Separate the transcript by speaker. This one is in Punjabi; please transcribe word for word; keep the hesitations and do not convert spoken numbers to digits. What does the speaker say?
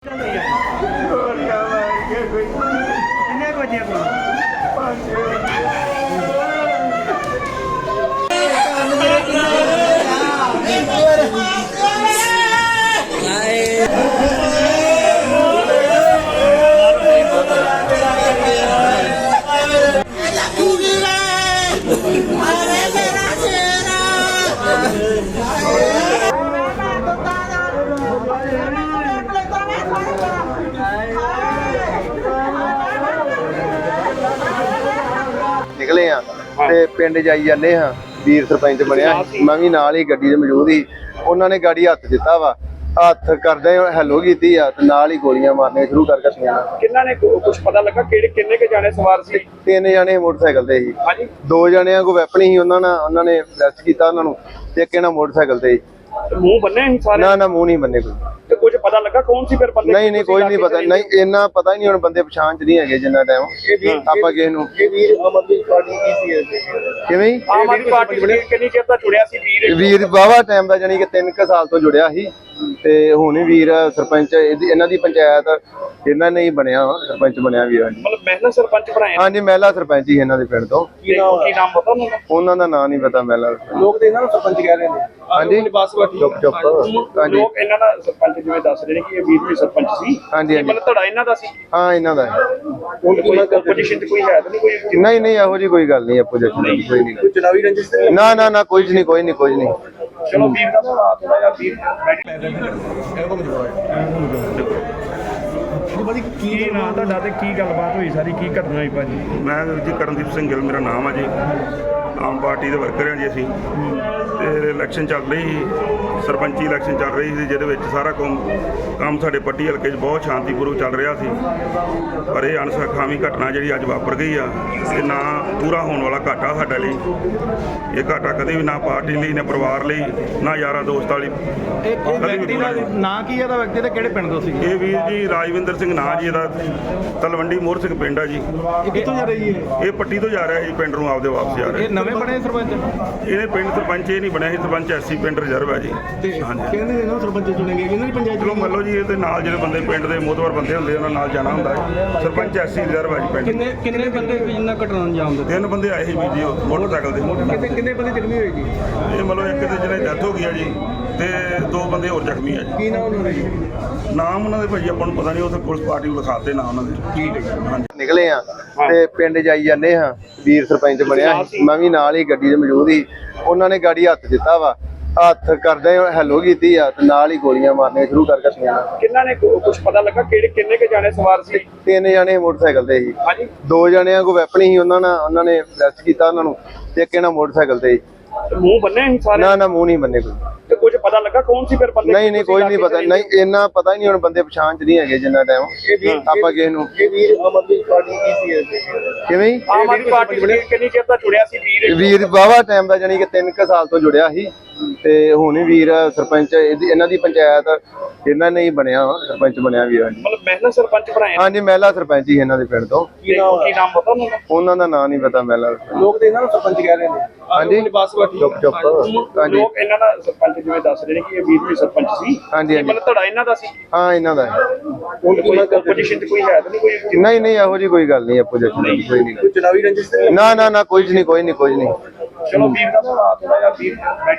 Speaker 1: निकले हाँ ते पिंड जाई जाने हाँ वीर सरपंच बनया मैं भी नाल ही गड्डी दे मौजूद ही उन्होंने गाड़ी हत्थ दिता वा हत्थ करदे हैलो कीती आ ते नाल ही गोलियां मारने शुरू कर कट्टियां
Speaker 2: किन्ना ने कुछ पता लगा किहड़े किन्ने के जाने सवार सी
Speaker 1: तीन जने मोटरसाइकिल ते ही
Speaker 2: हां जी
Speaker 1: दो जणियां को वैपन ही उन्होंने उन्होंने अरेस्ट कीता उन्हां नूं ते इक इन्हां मोटरसाइकिल ते
Speaker 2: मुंह बन्ने ही सारे
Speaker 1: ना ना मुंह नहीं बन्ने कोई
Speaker 2: ते कुछ पता लगा कौन सी फिर बंदे
Speaker 1: नहीं नहीं कोई नहीं पता नहीं इन्ना पता ही नहीं हुण बंदे पछाण च नहीं है जिन्ना टाइम आपां किस नूं
Speaker 2: ये वीर आम आदमी पार्टी की सी
Speaker 1: किवें
Speaker 2: आम आदमी पार्टी किन्नी चेर दा जुड़िया सी वीर
Speaker 1: वीर बावा टाइम दा जानी कि तीन क साल तो जुड़िया ਸੀ ਤੇ ਹੁਣ ਹੀ ਵੀਰ ਸਰਪੰਚ ਇਹਨਾਂ ਦੀ ਪੰਚਾਇਤ ਇਹਨਾਂ ਨੇ ਹੀ ਬਣਿਆ ਸਰਪੰਚ ਬਣਿਆ ਵੀਰ ਹਾਂਜੀ
Speaker 2: ਮਤਲਬ ਮਹਿਲਾ ਸਰਪੰਚ ਬਣਾਇਆ
Speaker 1: ਹਾਂਜੀ ਮਹਿਲਾ ਸਰਪੰਚ ਹੀ ਇਹਨਾਂ ਦੇ ਪਿੰਡ ਤੋਂ
Speaker 2: ਕੀ ਨਾਮ ਕੀ ਨਾਮ ਪਤਾ ਉਹਨਾਂ ਦਾ
Speaker 1: ਉਹਨਾਂ ਦਾ ਨਾਮ ਨਹੀਂ ਪਤਾ ਮਹਿਲਾ
Speaker 2: ਲੋਕ ਤੇ ਇਹਨਾਂ ਨੂੰ ਸਰਪੰਚ ਕਹਿ ਰਹੇ ਨੇ
Speaker 1: ਹਾਂਜੀ ਚੁੱਪ ਚੁੱਪ ਹਾਂਜੀ
Speaker 2: ਲੋਕ ਇਹਨਾਂ ਦਾ ਸਰਪੰਚ ਜਿਵੇਂ ਦੱਸ ਰਹੇ ਨੇ ਕਿ ਇਹ ਵੀਰ ਵੀ ਸਰਪੰਚ ਸੀ
Speaker 1: ਹਾਂਜੀ ਹਾਂਜੀ
Speaker 2: ਮਤਲਬ ਤੁਹਾਡਾ ਇਹਨਾਂ ਦਾ ਸੀ
Speaker 1: ਹਾਂ ਇਹਨਾਂ ਦਾ
Speaker 2: ਹੁਣ ਕੋਈ ਆਪੋਜੀਸ਼ਨ ਤੇ ਕੋਈ ਹੈ ਤਾਂ ਨਹੀਂ ਕੋਈ
Speaker 1: ਨਹੀਂ ਨਹੀਂ ਇਹੋ ਜੀ ਕੋਈ ਗੱਲ ਨਹੀਂ ਆਪੋਜੀਸ਼ਨ ਦੀ ਕੋਈ ਨਹੀਂ
Speaker 2: ਕੋਈ ਚੁਣਾਵੀ ਰੰਜਿਸ਼
Speaker 1: ਨਾ ਨਾ ਨਾ ਕੋਈ ਨਹੀਂ ਕੋਈ ਨਹੀਂ ਕੋਈ ਨਹੀਂ
Speaker 2: ਚਲੋ ਵੀਰ ਦਾ ਥੋੜਾ ਜਿਹਾ ਵੀਰ ਕੀ ਨਾਂ ਤੁਹਾਡਾ ਤੇ ਕੀ ਗੱਲਬਾਤ ਹੋਈ ਸਾਰੀ ਕੀ ਘਟਨਾ ਹੋਈ ਭਾਜੀ
Speaker 3: ਮੈਂ ਜੀ ਕਰਨਦੀਪ ਸਿੰਘ ਗਿੱਲ ਮੇਰਾ ਨਾਮ ਆ ਜੀ ਆਮ ਪਾਰਟੀ ਦੇ ਵਰਕਰ ਹਾਂ ਜੀ ਅਸੀਂ ਤੇ ਇਲੈਕਸ਼ਨ ਚੱਲ ਰਹੀ ਸੀ ਸਰਪੰਚੀ ਇਲੈਕਸ਼ਨ ਚੱਲ ਰਹੀ ਸੀ ਜਿਹਦੇ ਵਿੱਚ ਸਾਰਾ ਕੰਮ ਕੰਮ ਸਾਡੇ ਪੱਟੀ ਹਲਕੇ 'ਚ ਬਹੁਤ ਸ਼ਾਂਤੀਪੂਰਵਕ ਚੱਲ ਰਿਹਾ ਸੀ ਪਰ ਇਹ ਅਣਸਖਾਵੀ ਘਟਨਾ ਜਿਹੜੀ ਅੱਜ ਵਾਪਰ ਗਈ ਆ ਇਹ ਨਾ ਪੂਰਾ ਹੋਣ ਵਾਲਾ ਘਾਟਾ ਸਾਡੇ ਲਈ ਇਹ ਘਾਟਾ ਕਦੇ ਵੀ ਨਾ ਪਾਰਟੀ ਲਈ ਨਾ ਪਰਿਵਾਰ ਲਈ ਨਾ ਯਾਰਾਂ ਦੋਸਤਾਂ ਲਈ
Speaker 4: ਇਹ ਵਿਅਕਤੀ ਦਾ ਨਾਂ ਕੀ ਹੈ ਦਾ ਵਿਅਕਤੀ ਤੇ ਕਿਹੜੇ ਪਿੰਡ ਤੋਂ ਸੀ
Speaker 3: ਇਹ ਵੀਰ ਜੀ ਰਾਜਵਿੰਦਰ ਸਿੰਘ ਨਾਂ ਜੀ ਇਹਦਾ ਤਲਵੰਡੀ ਮੋਹਰ ਸਿੰਘ ਪਿੰਡ ਆ ਜੀ
Speaker 4: ਇਹ ਕਿੱਥੋਂ ਜਾ ਰਹੀ ਹੈ
Speaker 3: ਇਹ ਪੱਟੀ ਤੋਂ ਜਾ ਰਿਹਾ ਜੀ ਪਿੰਡ ਨੂੰ ਆਪਦੇ ਵਾਪਸ ਜਾ ਰਿਹਾ
Speaker 4: ਇਹ ਨਵੇਂ ਬਣੇ ਸਰਪੰਚ
Speaker 3: ਇਹਨੇ ਪਿੰਡ ਸਰਪੰਚ ਇਹ ਨਹੀਂ ਬਣਿਆ ਸੀ ਸਰਪੰਚ ਐਸੀ ਪਿੰਡ ਰਿਜ਼ਰਵ ਹੈ ਜੀ
Speaker 4: ਹਾਂਜੀ ਕਹਿੰਦੇ ਨੇ ਨਾ ਸਰਪੰਚ ਚੁਣੇ ਗਏ ਇਹਨਾਂ ਦੀ ਪੰਚਾਇਤ
Speaker 3: ਚਲੋ ਮੰਨ ਲਓ ਜੀ ਇਹਦੇ ਨਾਲ ਜਿਹੜੇ ਬੰਦੇ ਪਿੰਡ ਦੇ ਮੋਹਤਵਰ ਬੰਦੇ ਹੁੰਦੇ ਉਹਨਾਂ ਨਾਲ ਜਾਣਾ ਹੁੰਦਾ ਹੈ ਸਰਪੰਚ ਐਸੀ ਰਿਜ਼ਰਵ ਹੈ ਜੀ ਪਿੰਡ
Speaker 4: ਕਿੰਨੇ ਕਿੰਨੇ ਬੰਦੇ ਜਿੰਨਾ ਘਟਨਾ ਅੰਜਾਮ ਦਿੱਤੇ
Speaker 3: ਤਿੰਨ ਬੰਦੇ ਆਏ ਸੀ ਵੀ ਜੀ ਮੋਟਰਸਾਈਕਲ ਦੇ
Speaker 4: ਕਿੰਨੇ ਕਿੰਨੇ ਬੰਦੇ ਜ਼ਖਮੀ ਹੋਏ ਜੀ
Speaker 3: ਇਹ ਮੰਨ ਲਓ ਇੱਕ ਦੇ ਜਿਹਨੇ ਡੈਥ ਹੋ ਗਈ ਆ ਜੀ ਤੇ ਦੋ ਬੰਦੇ ਹੋਰ ਜ਼ਖਮੀ ਆ ਜੀ
Speaker 4: ਕੀ ਨਾਮ ਉਹਨਾਂ ਦਾ ਜੀ
Speaker 3: ਨਾਮ ਉਹਨਾਂ ਦੇ ਭਾਜੀ ਆਪਾਂ ਨੂੰ ਪਤਾ ਨਹੀਂ ਉੱਥੇ ਪੁਲਿਸ ਪਾਰਟੀ ਨੂੰ ਲਿਖਾਤੇ ਨਾ ਉਹਨਾਂ ਦੇ
Speaker 4: ਠੀਕ ਹੈ
Speaker 3: ਹਾਂਜੀ
Speaker 1: ਨਿਕਲੇ ਆ ਤੇ ਪਿੰਡ ਜਾਈ ਜਾਂਦੇ ਹਾਂ ਵੀਰ ਸਰਪੰਚ ਬਣਿਆ ਮੈਂ ਵੀ ਨਾਲ ਹੀ ਗੱਡੀ ਦੇ ਮੌਜੂਦ ਹੀ ਉਹਨਾਂ ਨੇ ਗਾੜੀ ਹੱਥ ਦਿੱਤਾ ਵਾ ਹੱਥ ਕਰਦੇ ਹੈਲੋ ਕੀਤੀ ਆ ਤੇ ਨਾਲ ਹੀ ਗੋਲੀਆਂ ਮਾਰਨੇ ਸ਼ੁਰੂ ਕਰ ਕਟੀਆਂ
Speaker 2: ਕਿੰਨਾ ਨੇ ਕੁਝ ਪਤਾ ਲੱਗਾ ਕਿਹੜੇ ਕਿੰਨੇ ਕੇ ਜਾਣੇ ਸਵਾਰ ਸੀ
Speaker 1: ਤਿੰਨ ਜਣੇ ਮੋਟਰਸਾਈਕਲ ਤੇ ਸੀ
Speaker 2: ਹਾਂਜੀ
Speaker 1: ਦੋ ਜਣਿਆਂ ਕੋ ਵੈਪਨ ਹੀ ਉਹਨਾਂ ਨੇ ਉਹਨਾਂ ਨੇ ਅਰੈਸਟ ਕੀਤਾ ਉਹਨਾਂ ਨੂੰ ਤੇ ਇੱਕ ਇਹਨਾਂ ਮੋਟਰਸਾਈਕਲ ਤੇ
Speaker 2: ਮੂੰਹ ਬੰਨੇ ਹੀ ਸਾਰੇ
Speaker 1: ਨਾ ਨਾ ਮੂੰਹ ਨਹੀਂ ਬੰਨੇ ਕੋਈ
Speaker 2: ਤੇ ਕੁਝ ਪਤਾ ਲੱਗਾ ਕੌਣ ਸੀ ਫਿਰ ਬੰਦੇ
Speaker 1: ਨਹੀਂ ਨਹੀਂ ਕੋਈ ਨਹੀਂ ਪਤਾ ਨਹੀਂ ਇੰਨਾ ਪਤਾ ਹੀ ਨਹੀਂ ਹੁਣ ਬੰਦੇ ਪਛਾਣ ਚ ਨਹੀਂ ਹੈਗੇ ਜਿੰਨਾ ਟਾਈਮ ਆਪਾਂ ਕਿਸ ਨੂੰ
Speaker 2: ਇਹ ਵੀਰ ਆਮ ਆਦਮੀ ਪਾਰਟੀ ਕੀ ਸੀ
Speaker 1: ਕਿਵੇਂ
Speaker 2: ਆਮ ਆਦਮੀ ਪਾਰਟੀ ਕਿੰਨੀ ਚਿਰ ਦਾ ਜੁੜਿਆ ਸੀ ਵੀਰ
Speaker 1: ਵੀਰ ਬਾਵਾ ਟਾਈਮ ਦਾ ਜਾਨੀ ਕਿ ਤਿੰਨ ਕ ਸਾਲ ਤੋਂ ਜੁੜਿਆ ਸੀ ਤੇ ਹੁਣ ਹੀ ਵੀਰ ਸਰਪੰਚ ਇਹਨਾਂ ਦੀ ਪੰਚਾਇਤ ਇਹਨਾਂ ਨੇ ਹੀ ਬਣਿਆ ਸਰਪੰਚ ਬਣਿਆ ਵੀਰ ਹਾਂਜੀ
Speaker 2: ਮਤਲਬ ਮਹਿਲਾ ਸਰਪੰਚ ਬਣਾਇਆ
Speaker 1: ਹਾਂਜੀ ਮਹਿਲਾ ਸਰਪੰਚ ਹੀ ਇਹਨਾਂ ਦੇ ਪਿੰਡ ਤੋਂ
Speaker 2: ਕੀ ਨਾਮ ਕੀ ਨਾਮ ਪਤਾ ਉਹਨਾਂ ਦਾ
Speaker 1: ਉਹਨਾਂ ਦਾ ਨਾਮ ਨਹੀਂ ਪਤਾ ਮਹਿਲਾ
Speaker 2: ਲੋਕ ਤੇ ਇਹਨਾਂ ਨੂੰ ਸਰਪੰਚ ਕਹਿ ਰਹੇ ਨੇ
Speaker 1: ਹਾਂਜੀ ਚੁੱਪ ਚੁੱਪ ਹਾਂਜੀ
Speaker 2: ਲੋਕ ਇਹਨਾਂ ਦਾ ਸਰਪੰਚ ਜਿਵੇਂ ਦੱਸ ਰਹੇ ਨੇ ਕਿ ਇਹ ਵੀਰ ਵੀ ਸਰਪੰਚ ਸੀ
Speaker 1: ਹਾਂਜੀ ਹਾਂਜੀ
Speaker 2: ਮਤਲਬ ਤੁਹਾਡਾ ਇਹਨਾਂ ਦਾ ਸੀ
Speaker 1: ਹਾਂ ਇਹਨਾਂ ਦਾ
Speaker 2: ਹੁਣ ਕੋਈ ਆਪੋਜੀਸ਼ਨ ਤੇ ਕੋਈ ਹੈ ਤਾਂ ਨਹੀਂ ਕੋਈ
Speaker 1: ਨਹੀਂ ਨਹੀਂ ਇਹੋ ਜੀ ਕੋਈ ਗੱਲ ਨਹੀਂ ਆਪੋਜੀਸ਼ਨ ਦੀ ਕੋਈ ਨਹੀਂ
Speaker 2: ਚੁਣਾਵੀ ਰੰਜਿਸ਼
Speaker 1: ਨਾ ਨਾ ਨਾ ਕੋਈ ਨਹੀਂ ਕੋਈ ਨਹੀਂ ਕੋਈ ਨਹੀਂ
Speaker 2: ਚਲੋ ਵੀਰ ਦਾ ਥੋੜਾ ਜਿਹਾ ਵੀਰ